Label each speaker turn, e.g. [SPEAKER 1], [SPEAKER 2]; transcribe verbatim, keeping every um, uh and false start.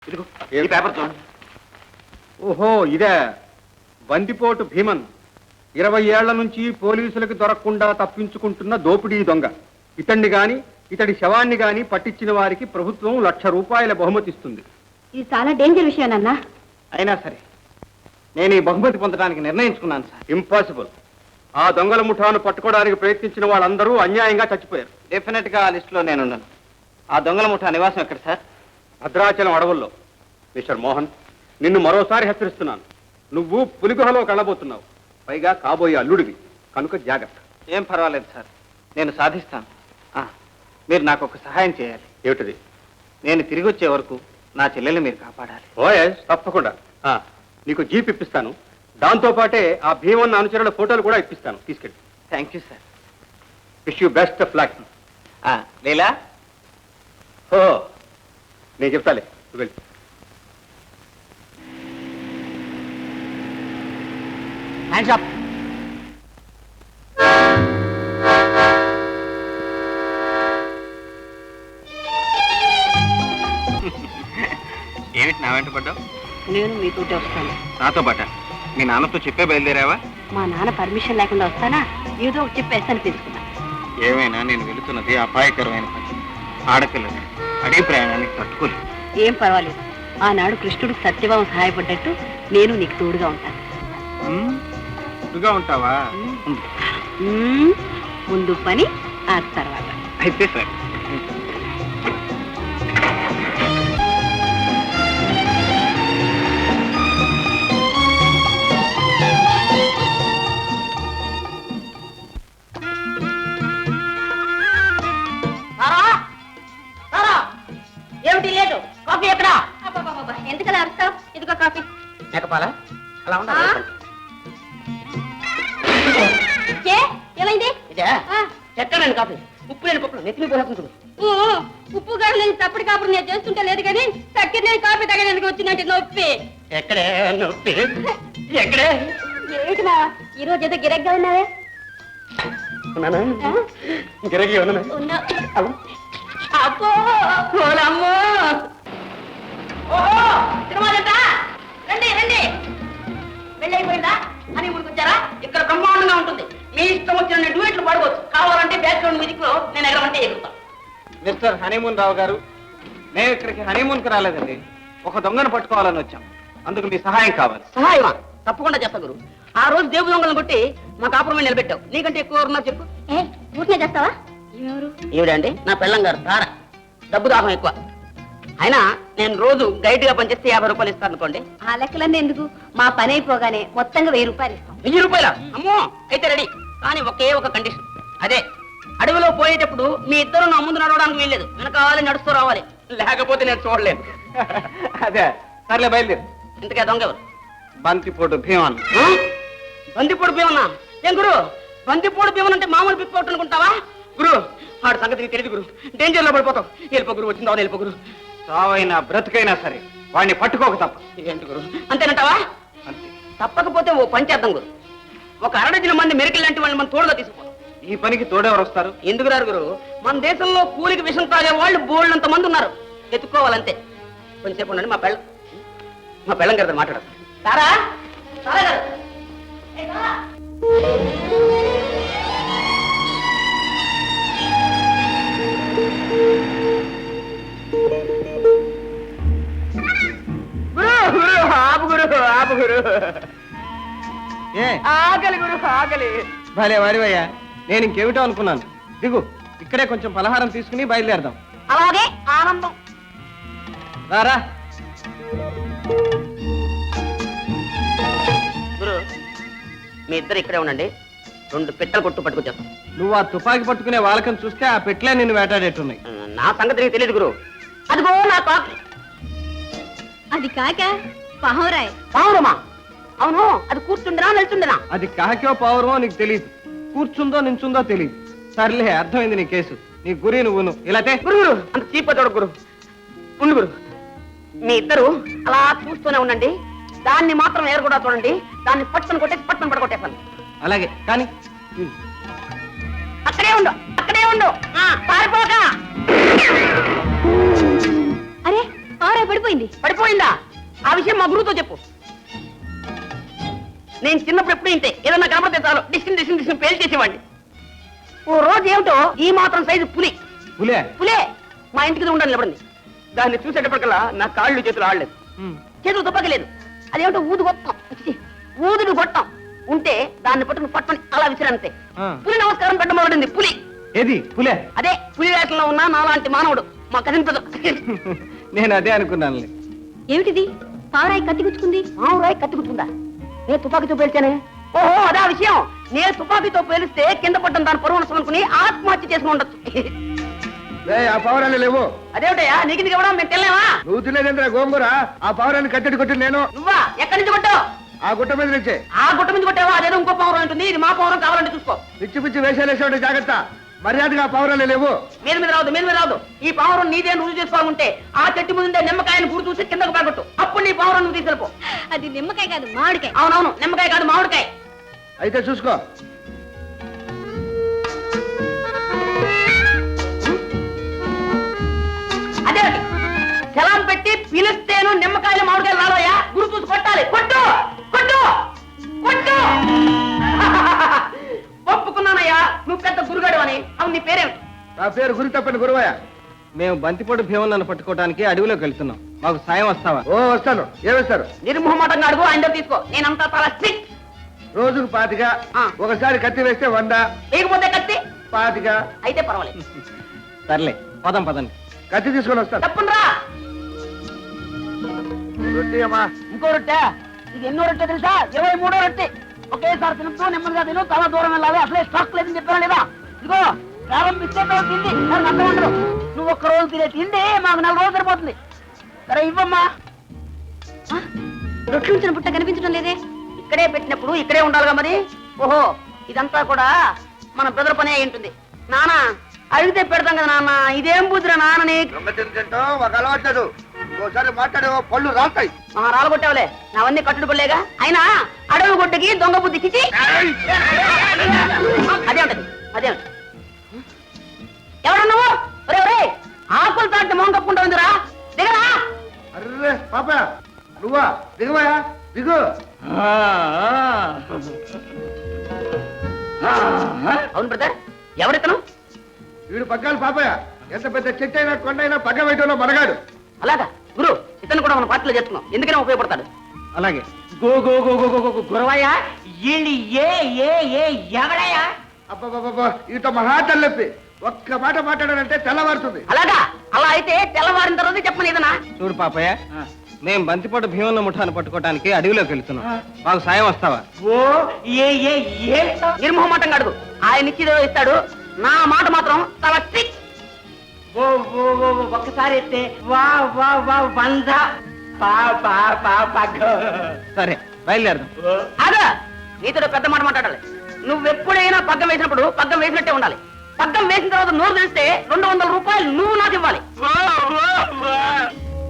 [SPEAKER 1] ఇదిగో ఈ పేపర్ చూడండి.
[SPEAKER 2] ఓహో ఇదే బందిపోటు భీమన్ ఇరవై ఏళ్ల నుంచి పోలీసులకు దొరకకుండా తప్పించుకుంటున్న దోపిడీ దొంగ. ఇతన్ని గాని ఇతడి శవాన్ని గాని పట్టించిన వారికి ప్రభుత్వం లక్ష రూపాయల బహుమతి ఇస్తుంది.
[SPEAKER 3] ఇది చాలా డేంజర్ విషయం అన్నా.
[SPEAKER 1] అయినా సరే నేను ఈ బహుమతి పొందడానికి నిర్ణయించుకున్నాను సార్.
[SPEAKER 2] ఇంపాసిబుల్. ఆ దొంగల ముఠాను పట్టుకోవడానికి ప్రయత్నించిన వాళ్ళందరూ అన్యాయంగా చచ్చిపోయారు.
[SPEAKER 1] డెఫినెట్ గా ఆ లిస్ట్ లో నేనున్నాను. ఆ దొంగల ముఠా నివాసం ఎక్కడ సార్?
[SPEAKER 2] భద్రాచలం అడవుల్లో. మిస్టర్ మోహన్, నిన్ను మరోసారి హెచ్చరిస్తున్నాను. నువ్వు పులిగుహలో కళ్ళబోతున్నావు, పైగా కాబోయే అల్లుడివి, కనుక జాగ్రత్త.
[SPEAKER 1] ఏం పర్వాలేదు సార్, నేను సాధిస్తాను. ఆ, మీరు నాకు ఒక సహాయం చేయాలి.
[SPEAKER 2] ఏమిటిది?
[SPEAKER 1] నేను తిరిగి వచ్చే వరకు నా చెల్లెల్ని మీరు కాపాడాలి.
[SPEAKER 2] ఓఎస్, తప్పకుండా. ఆ, నీకు జీప్ ఇప్పిస్తాను. దాంతో పాటే ఆ భీమన్న అనుచరుల ఫోటోలు కూడా ఇప్పిస్తాను. తీసుకెళ్ళి.
[SPEAKER 1] Thank you sir.
[SPEAKER 2] Wish you best of luck.
[SPEAKER 1] Leela,
[SPEAKER 2] ఓ నేను చెప్తాలే, నువ్వు వెళ్ళి.
[SPEAKER 1] Hands up. ఏమిటి నా వెంట పడ్డావు?
[SPEAKER 3] నేను మీతోటి వస్తాను.
[SPEAKER 1] నాతో పాట? మీ నాన్నతో చెప్పే బయలుదేరావా?
[SPEAKER 3] మా నాన్న పర్మిషన్ లేకుండా వస్తానా? ఏదో ఒక చెప్పేస్తాను తెలుసుకున్నా.
[SPEAKER 1] ఏమైనా నేను వెళుతున్నది అపాయకరమైన పని. ఆడపిల్లలు అడవి ప్రయాణానికి తట్టుకోలేదు.
[SPEAKER 3] ఏం పర్వాలేదు. ఆనాడు కృష్ణుడికి సత్యభావం సహాయపడ్డట్టు నేను నీకు తోడుగా ఉంటాను.
[SPEAKER 1] ఇదిగా ఉంటావా?
[SPEAKER 3] మ్మ్. ముందు పని ఆ తర్వాత.
[SPEAKER 1] అయితే సరే.
[SPEAKER 3] ఏమిటి లేదు? కాఫీ ఎక్కడా? ఎందుకలా అరుస్తావు? ఇదిగో కాఫీ.
[SPEAKER 1] మేకపాల అలా ఉండాలి.
[SPEAKER 3] ఏమైంది?
[SPEAKER 1] ఇదే చెక్కనండి కాఫీ. ఉప్పు లేని పప్పులు నెత్తిమి పోతుంది.
[SPEAKER 3] ఉప్పు గారు నేను తప్పుడు కాపుడు నేను చేస్తుంటే లేదు కానీ చక్కెర నేను కాఫీ తగ్గడానికి వచ్చిందంటే నొప్పి.
[SPEAKER 1] ఎక్కడే నొప్పి? ఎక్కడే?
[SPEAKER 3] ఏమిటి మా ఈ రోజు ఏదో గిరగ్గా ఉన్నావే?
[SPEAKER 1] గిరగి
[SPEAKER 3] ఉన్నా. అబ్బో అమ్మో! ఓహో తిరుమలంట. రండి రండి. వెళ్ళైపోయిందా? అని ముందుకొచ్చారా? ఇక్కడ బ్రహ్మాండంగా ఉంటుంది. మీ ఇష్టం వచ్చిన డ్యూయెట్లు పడవచ్చు. కావాలంటే బ్యాక్గ్రౌండ్ మ్యూజిక్ లో నేను ఎగరమంటే ఎగురుతాను.
[SPEAKER 1] మిస్టర్ హనీమూన్ రావు గారు, మేము ఇక్కడికి హనీమూన్ కి రాలేదండి. ఒక దొంగను పట్టుకోవాలని వచ్చాం. అందుకు మీ సహాయం కావాలి.
[SPEAKER 4] సహాయమా? తప్పకుండా చేస్తా గురు. ఆ రోజు దేవు దొంగలను కొట్టి మా కాపురమే నిలబెట్టావు. నీకంటే ఎక్కువ ఉన్నా చెప్పు.
[SPEAKER 3] ఏ ఊరినే చేస్తావా? ఎవరు?
[SPEAKER 4] ఈవిడండి నా పెళ్ళం గారు తార. డబ్బు దాహం ఎక్కువ. అయినా నేను రోజు గైడ్ గా పనిచేస్తే యాభై రూపాయలు ఇస్తాను అనుకోండి.
[SPEAKER 3] ఆ లెక్కలన్నీ ఎందుకు? మా పని అయిపోగానే మొత్తంగా వెయ్యి రూపాయలు ఇస్తాం.
[SPEAKER 4] వెయ్యి రూపాయల? అమ్మో, అయితే రెడీ. కానీ ఒకే ఒక కండిషన్. అదే అడవిలో పోయేటప్పుడు మీ ఇద్దరు నా ముందు నడవడానికి వీల్లేదు. వెనకాలని నడుస్తూ రావాలి, లేకపోతే నేను చూడలేను.
[SPEAKER 1] అదే సర్లే, బయలుదేరు.
[SPEAKER 4] ఇంతకే దొంగ ఎవరు?
[SPEAKER 1] బంతిపోటు భీమన్.
[SPEAKER 4] ఆ? బందిపోడు భీమన్నా? ఏం గురు, బందిపోడు భీమన్ అంటే మామూలు పిప్పవుట్ అనుకుంటావా? గురు, వాడు సంగతి నీకు తెలియదు గురు. డేంజర్ లో పడిపోతావు. వెళ్ళిపో గురు, వచ్చిందా వెళ్ళిపో గురు.
[SPEAKER 1] చావైనా బ్రతుకైనా సరే వాడిని పట్టుకోక తప్ప.
[SPEAKER 4] ఏంటి గురు, అంతేనంటావా?
[SPEAKER 1] అంతే.
[SPEAKER 4] తప్పకపోతే ఓ పంచేద్దాం గురు. ఒక అరడజన మంది మెరికల్ లాంటి వాళ్ళని మనం తోడుగా తీసుకుపోతాం.
[SPEAKER 1] ఈ పనికి తోడెవరు వస్తారు?
[SPEAKER 4] ఎందుకు రారు గురు? మన దేశంలో కూలికి విషం తాగే వాళ్ళు బోళ్ళంత మంది ఉన్నారు. ఎత్తుకోవాలంతే. కొంచెంసేపు ఉండండి, మా పెళ్ళ మా పెళ్ళం గారితో మాట్లాడతాం. తారా తారా గారు. ఏ తారా? గురు గురు ఆపు గురు ఆపు గురు.
[SPEAKER 1] ఏ
[SPEAKER 4] ఆకలి గురు ఆకలి.
[SPEAKER 1] భలే వాడివయ్యా, నేను ఇంకేమిటో అనుకున్నాను. దిగు, ఇక్కడే కొంచెం పలహారం తీసుకుని బయలుదేరదాం.
[SPEAKER 4] అలాగే ఆనందం.
[SPEAKER 1] రారా.
[SPEAKER 4] గురు, మీ ఇద్దరు ఇక్కడే ఉండండి. రెండు పెట్టెలు కొట్టు పట్టుకొచ్చేస్తాం.
[SPEAKER 1] నువ్వు ఆ తుపాకీ పట్టుకునే వాళ్ళకని చూస్తే ఆ పెట్లే నిన్ను వేటాడేట్టున్నాయి.
[SPEAKER 4] నా సంగతి నీకు తెలియదు గురు. అదిగో నా కాకి.
[SPEAKER 3] అది కాక పహోరాయ్.
[SPEAKER 4] పావురమా? అవును, అది కూర్చుండినా నిల్చుండినా?
[SPEAKER 1] అది కాకో పావురమో నీకు తెలియదు, కూర్చుందో నించుందో తెలియదు. సర్లే, అర్థమైంది నీ కేసు. నీ గురి నువ్వును ఇలాతే.
[SPEAKER 4] గురు గురు అంత చీప చూడ గురు. ఉండు గురు, మీ ఇద్దరు అలా చూస్తూనే ఉండండి. దాన్ని మాత్రం ఎరు కూడా చూడండి. దాన్ని పట్టుకుని కొట్టేసి పట్టుకుని పడగొట్టేస్తాను.
[SPEAKER 1] అలాగే కానీ
[SPEAKER 4] అక్కడే ఉండు, అక్కడే ఉండు. పారిపోక.
[SPEAKER 3] అరే
[SPEAKER 5] పడిపోయింది.
[SPEAKER 3] పడిపోయిందా? ఆ విషయం మా గురువుతో చెప్పు. నేను చిన్నప్పుడు ఎప్పుడు ఇంతే, ఏదన్నా కనపడితే చాలు డిస్టిన్ డిస్టిన్ డిస్టిన్ పేలు చేసేవాడిని. ఓ రోజు ఏమిటో ఈ మాత్రం సైజు పులి
[SPEAKER 1] పులే
[SPEAKER 3] పులే మా ఇంటికి ఉండాలి నిలబడింది. దాన్ని చూసేటప్పటికల్లా నా కాళ్ళు చేతులు ఆడలేదు, చేతులు తుప్పకలేదు. అదేమిటో ఊదు గొట్టం, ఛీ, ఊదుడు గొట్టం ఉంటే దాన్ని పట్టుకుని పట్టుని అలా విసిరంతే.
[SPEAKER 1] ఆ.
[SPEAKER 3] పులి నమస్కారం పెట్ట మొదలైంది. పులి
[SPEAKER 1] ఏది పులే?
[SPEAKER 3] అదే పులి వేషంలో ఉన్న నాలాంటి మానవుడు మా కనిపించదు.
[SPEAKER 1] నేను అదే అనుకున్నాను.
[SPEAKER 5] ఏమిటిది? పావురాయి కత్తి గుచ్చుకుంది.
[SPEAKER 3] మామూరాయి కత్తికుంటుందా? నేను తుపాకీతో పేల్చానే. ఓహో అదా విషయం. నేను తుపాకీతో పేలిస్తే కింద పడ్డం దాని పరువు నష్టం అనుకుని ఆత్మహత్య చేసుకుని ఉండొచ్చు.
[SPEAKER 2] ఆ పావురాలు లేవు.
[SPEAKER 3] అదేమిటయ్యా నీకు ఇది ఇవ్వడం మేము తెల్లేమా?
[SPEAKER 2] నువ్వు తినేదేంద్ర గోంగూర? ఆ పావురాన్ని కట్టడి కొట్టి నేను
[SPEAKER 3] నువ్వా? ఎక్కడి నుంచి కొట్టావు?
[SPEAKER 2] ఆ గుట్ట మీద నుంచే.
[SPEAKER 3] ఆ గుట్ట నుంచి కొట్టావా? అదేదో ఇంకో పౌరం ఉంటుంది, ఇది మా పౌరం, కావాలంటే చూసుకో.
[SPEAKER 2] పిచ్చి పిచ్చి వేషాలు వేసేవాడు జాగ్రత్త. మర్యాదగా ఆ పావురాలు లేవు.
[SPEAKER 3] మీద మీద రావద్దు, మీద మీద రావద్దు. ఈ పౌరం నీదే రుజువు చేసుకోవాలంటే ఆ చెట్టు ముందే నిమ్మకాయను గుడి చూసి కిందకు పడగొట్టు. అప్పుడు నీ పౌరం నువ్వు తీసుకెళ్ళిపో.
[SPEAKER 5] అది నిమ్మకాయ కాదు, మామిడికాయ.
[SPEAKER 3] అవునవును, నిమ్మకాయ కాదు మామిడికాయ.
[SPEAKER 2] అయితే చూసుకో.
[SPEAKER 3] అదే సెలాం పెట్టి పిలిస్తేను నిమ్మకాయలు మామిడికాయలు రాలోయా? గుడి చూసి కొట్టాలి. కొట్టు కొట్టు కొట్టు. ఒప్పుకున్నానయ్యా, నువ్వు పెద్ద గురుగాడు అని. అవును, నీ పేరేమిటి?
[SPEAKER 2] నా పేరు గురి తప్పని గురువయ్య.
[SPEAKER 1] మేము బంతిపోటు భీమన్నను పట్టుకోవడానికి అడవిలోకి వెళ్తున్నాం. మాకు సాయం వస్తావా?
[SPEAKER 2] ఓ వస్తాను. ఏమిస్తారు?
[SPEAKER 3] నిర్మోహమాటంగా అడుగు, ఆయన దగ్గర తీసుకో. నేనంతా చాలా స్ట్రిక్ట్.
[SPEAKER 2] రోజుకు పాతిక.
[SPEAKER 3] ఆ.
[SPEAKER 2] ఒకసారి కత్తి వేస్తే వంద.
[SPEAKER 3] లేకపోతే కత్తి
[SPEAKER 2] పాతిక.
[SPEAKER 3] అయితే పర్వాలేదు.
[SPEAKER 1] సర్లే, పదం పదండి.
[SPEAKER 2] కత్తి తీసుకొని వస్తాను.
[SPEAKER 3] తప్పునరా.
[SPEAKER 2] రొట్టి అమ్మా.
[SPEAKER 3] ఇంకో రొట్టె. ఇది ఎన్నో రొట్టె తెలుసా? ఇరవై మూడో రొట్టె. ఒకేసారి తింటూ నెమ్మదిగా తిను, చాలా దూరం వెళ్ళాలి. అసలే స్టాక్ లేదని చెప్పారా లేదా? ఇదిగో ప్రారంభిస్తే తర్వాత తిండి నాకు అర్థం ఉండదు. నువ్వు ఒక్క రోజు తినే తిండి మాకు నెల రోజులు సరిపోతుంది. సరే ఇవ్వమ్మా.
[SPEAKER 5] ఆ, రొట్లు ఉంచిన పుట్ట కనిపించడం లేదే.
[SPEAKER 3] ఇక్కడే పెట్టినప్పుడు ఇక్కడే ఉండాలిగా మరి. ఓహో, ఇదంతా కూడా మన బ్రదర్ పని అయి ఉంటుంది. నాన్న అడిగితే పెడతాం కదా నాన్న. ఇదేం బుద్ధిరా నాన్న నీకు?
[SPEAKER 2] ఒక అలవాట్లేదు. ఒకసారి మాట్లాడే పళ్ళు రాస్తాయి.
[SPEAKER 3] మా రాలగొట్టావులే, నావన్నీ కట్టుడు పడలేగా. అయినా అడవి గుడ్డకి దొంగ బుద్ధి చిచి. అదే ఉంటది, అదే ఉంటది. ఎవరు నువ్వు? ఒరే ఒరే, ఆకులు తాటి మొహం కప్పుకుంటా ఉందిరా. దిగరా.
[SPEAKER 2] అర్రే పాప, నువ్వా? దిగువయా, దిగు.
[SPEAKER 3] అవును బ్రదర్, ఎవరితను?
[SPEAKER 2] వీడు పగ్గాలు పాపయ్య. ఎంత పెద్ద చెట్టు అయినా కొండ అయినా పగ్గ వేయటంలో మనగాడు.
[SPEAKER 3] అలాగా గురు, ఇతను కూడా మన పార్టీలో చేస్తున్నాం. ఎందుకనే ఉపయోగపడతాడు.
[SPEAKER 1] అలాగే.
[SPEAKER 4] Go go go go go go Guravayya, వీళ్ళు ఏ ఏ ఏ ఎవడయ్యా?
[SPEAKER 2] అబ్బా, ఈతో మహా తల్లెప్పి. ఒక్క మాట మాట్లాడాలంటే తెల్లవారుతుంది.
[SPEAKER 3] అలాగా? అలా అయితే తెల్లవారిన తర్వాత చెప్పను ఏదన్నా.
[SPEAKER 1] చూడు పాపయ్య, మేము బంతిపోటు భీమన్న ముఠాను పట్టుకోవడానికి అడవిలోకి వెళ్తున్నాం. మాకు సాయం వస్తావా?
[SPEAKER 4] ఓ ఏ ఏ ఏ
[SPEAKER 3] నిర్మోహమాటంగా అడుగు. ఆయన ఇచ్చిదో ఇస్తాడు. నా మాట మాత్రం చాలా స్ట్రిక్ట్.
[SPEAKER 4] ఓ ఓ ఓ ఒక్కసారి ఎత్తే వా వా వా వంద పా పా పా పగ్గ.
[SPEAKER 1] సరే, బయలుదేరదాం.
[SPEAKER 3] అదా నీతో పెద్ద మాట మాట్లాడాలి. నువ్వెప్పుడైనా పగ్గం వేసినప్పుడు పగ్గం వేసినట్టే ఉండాలి. పగ్గం వేసిన తర్వాత నోరు తెలిస్తే రెండు వందల రూపాయలు నువ్వు నాకు ఇవ్వాలి.